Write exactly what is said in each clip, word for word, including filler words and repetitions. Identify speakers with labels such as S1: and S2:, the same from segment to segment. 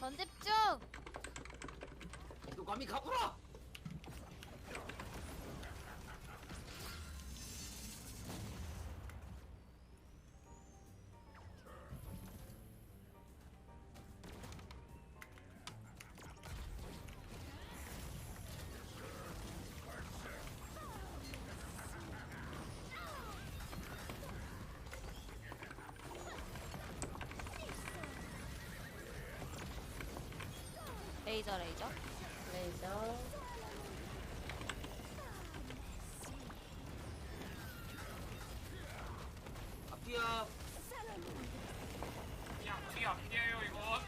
S1: 전집 중!
S2: 너 감히 가보라!
S1: 레이저 레이저.
S3: 레이저.
S2: 앞뒤야.
S4: 그냥 뒤 앞뒤에요 이건.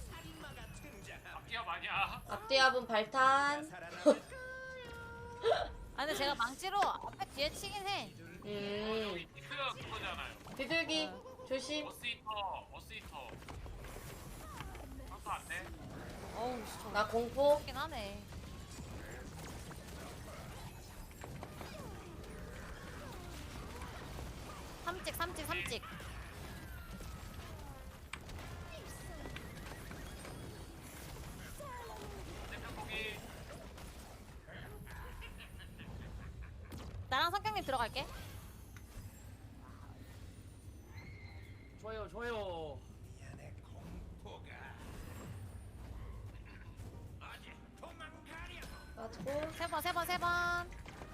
S4: 앞뒤야 마냐?
S3: 앞뒤압은 발탄.
S1: 아 근데 제가 망치로 앞에 뒤에 치긴 해.
S3: 음.
S4: 여기 디크 그거잖아요.
S3: 비둘기 조심.
S4: 어스히터, 어스히터. 상수 안 돼?
S1: 어우 씨,
S3: 나 공포.
S1: 저긴 하네. 삼찍 삼찍 삼찍.
S4: 대표 보기.
S1: 나랑 성경님 들어갈게.
S2: 좋아요, 좋아요.
S3: 맞고.
S1: 세 번 세 번 세 번.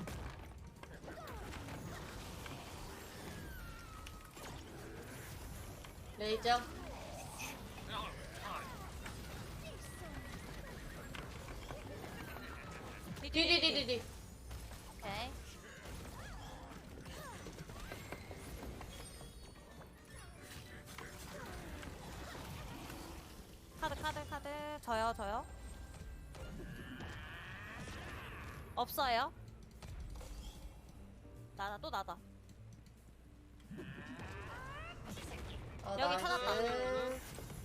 S3: 레이저.
S4: 그냥 그냥
S3: 디디디디디.
S1: 오케이. 카드 카드 카드 저요 저요. 없어요. 나다 또 나다.
S3: 어,
S1: 여기
S3: 나이스.
S1: 찾았다.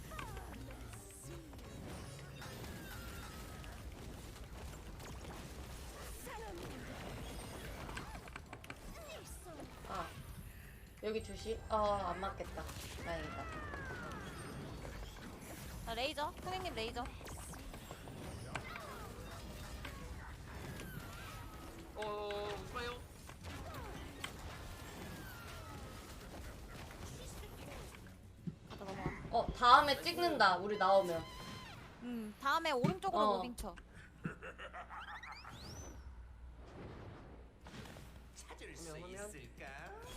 S3: 아. 여기 조심. 어, 안 맞겠다. 다행이다.
S1: 나 레이저. 선생님 레이저.
S2: 어, 좋아요.
S1: 가다 넘어가.
S3: 어, 다음에 찍는다. 우리 나오면.
S1: 음 다음에 오른쪽으로
S3: 어.
S1: 무빙 쳐.
S5: 찾을 수
S2: 그러면 하면?
S5: 있을까?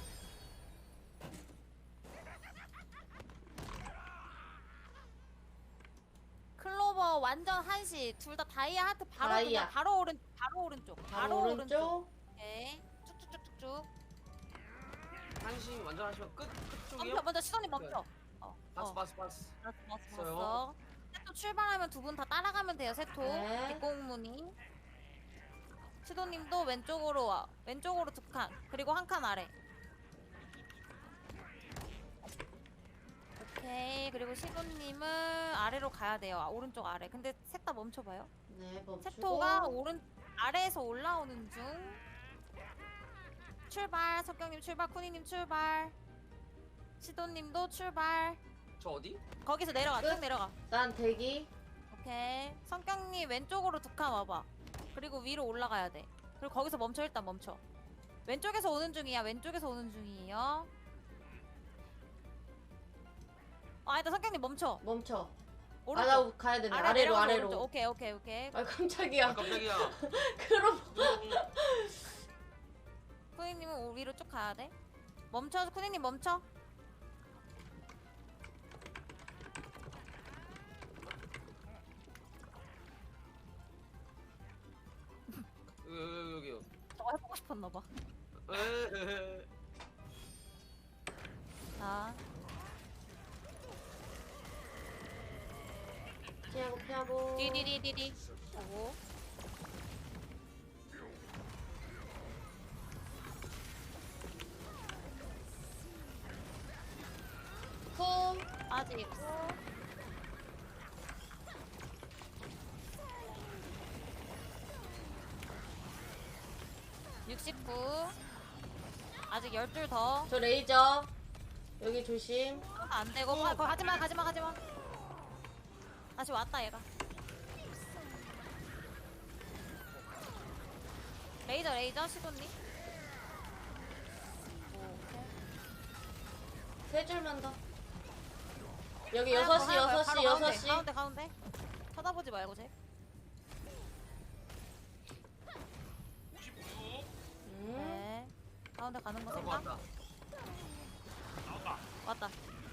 S1: 클로버 완전 한시. 둘 다 다이아 하트 바로
S3: 다이아.
S1: 그냥 바로 오른 바로 오른쪽. 바로,
S3: 바로 오른쪽.
S1: 오케이. 쭉쭉쭉쭉쭉.
S2: 한시 완전 하시면 끝, 끝 쪽이요?
S1: 멈춰 먼저 시선이 멈춰. 어.
S2: 바스,
S1: 어.
S2: 바스, 바스.
S1: 봤어 봤어
S2: 있어요.
S1: 봤어. 세토 출발하면 두 분 다 따라가면 돼요. 세토.
S3: 네.
S1: 뒷공무니. 시도님도 왼쪽으로 와. 왼쪽으로 두 칸. 그리고 한 칸 아래. 오케이. 그리고 시도님은 아래로 가야 돼요. 아, 오른쪽 아래. 근데 셋 다 멈춰봐요.
S3: 네, 멈추고.
S1: 세토가 오른 아래에서 올라오는 중. 출발. 석경님 출발. 쿠니님 출발. 시도님도 출발.
S2: 저 어디?
S1: 거기서 내려가.
S3: 끝.
S1: 쭉 내려가.
S3: 난 대기.
S1: 오케이. 성경님 왼쪽으로 두 칸 와봐. 그리고 위로 올라가야 돼. 그리고 거기서 멈춰. 일단 멈춰. 왼쪽에서 오는 중이야. 왼쪽에서 오는 중이에요. 아, 일단 성경님 멈춰.
S3: 멈춰.
S1: 오른쪽.
S3: 아, 나 가야 되네.
S1: 아래
S3: 아래로,
S1: 내려가서
S3: 아래로.
S1: 오른쪽. 오케이, 오케이, 오케이.
S3: 아, 깜짝이야.
S2: 아, 깜짝이야.
S3: 그럼.
S1: 쿠니님은 위로 쭉 가야 돼. 멈춰. 쿠니님 멈춰.
S2: 여기, 여기, 여기요.
S1: 저거 해보고 싶었나봐.
S2: 에헤헤.
S1: 자.
S3: 피하고, 피하고.
S1: 디디디디디. 보고.
S3: 쿵.
S1: 빠지고. 육십구. 아직 열 줄 더.
S3: 저 레이저. 여기 조심.
S1: 안 되고. 가, 거, 가지마, 가지마, 가지마. 다시 왔다 얘가. 레이저 레이저 시도니. 오케이.
S3: 세 줄만 더. 여기
S1: 하얀
S3: 여섯
S1: 거,
S3: 시
S1: 하얀 거야.
S3: 여섯 시
S1: 바로
S3: 여섯
S1: 가운데,
S3: 시
S1: 가운데 가운데. 쳐다보지 말고 쟤.
S4: 오십구.
S3: 음.
S1: 네. 가운데 가는 거
S2: 나온 거
S1: 생각.
S2: 같다.
S4: 나온다.
S1: 왔다.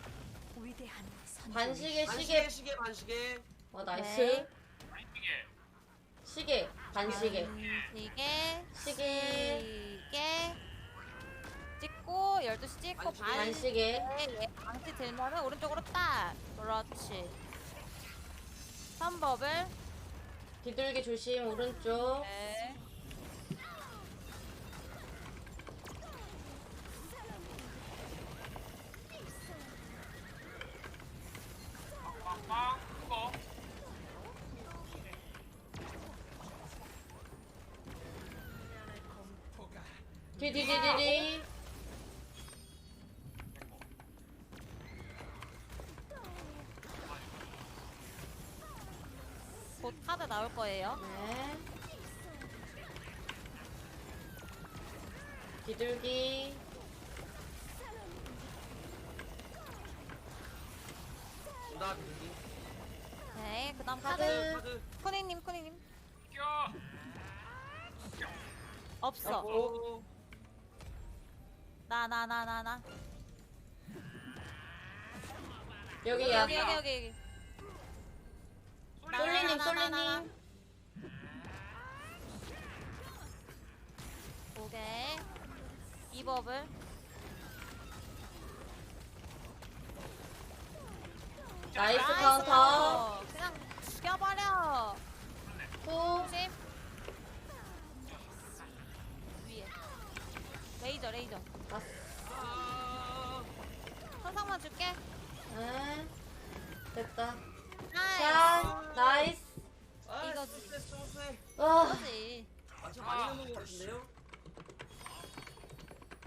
S3: 반시계
S2: 반시계
S3: 시계.
S2: 시계 반시계.
S3: 어 나이스.
S1: 네.
S4: 아이게.
S3: 시계 반시계.
S1: 반시계.
S3: 시계.
S1: 시계. 찍고 열두 시 찍고
S2: 반시계.
S1: 반.
S3: 반시계.
S1: 얘 방치 들면은 오른쪽으로 딱. 그렇지. 삼 버블.
S3: 비둘기 조심 오른쪽.
S1: 네.
S4: 빵빵빵. 그거.
S3: 디디디디디.
S1: 곧 카드 나올 거예요.
S3: 네. 비둘기.
S2: 나 비둘기.
S1: 네. 그다음
S3: 카드.
S1: 카드.
S2: 카드.
S1: 쿠닝님 쿠닝님.
S4: 껴.
S1: 없어.
S2: 오.
S1: 나 나 나 나 나.
S3: 여기야.
S1: 여기 여기 여기 여기.
S3: 솔리님
S1: 나, 나, 나, 나, 나.
S3: 솔리님.
S1: 오케이. 이 버블.
S3: 나이스
S1: 나이스
S3: 카운터.
S1: 카운터. 그냥 죽여버려.
S3: 후.
S1: 조심. 위에. 레이저 레이저.
S2: 아.
S1: 천상만 줄게.
S3: 네. 됐다.
S1: 나이스.
S3: 자, 나이스.
S2: 아,
S1: 이거-
S2: 소세 소세.
S3: 와.
S1: 그거지.
S2: 완전 많이 넣은 거 같은데요?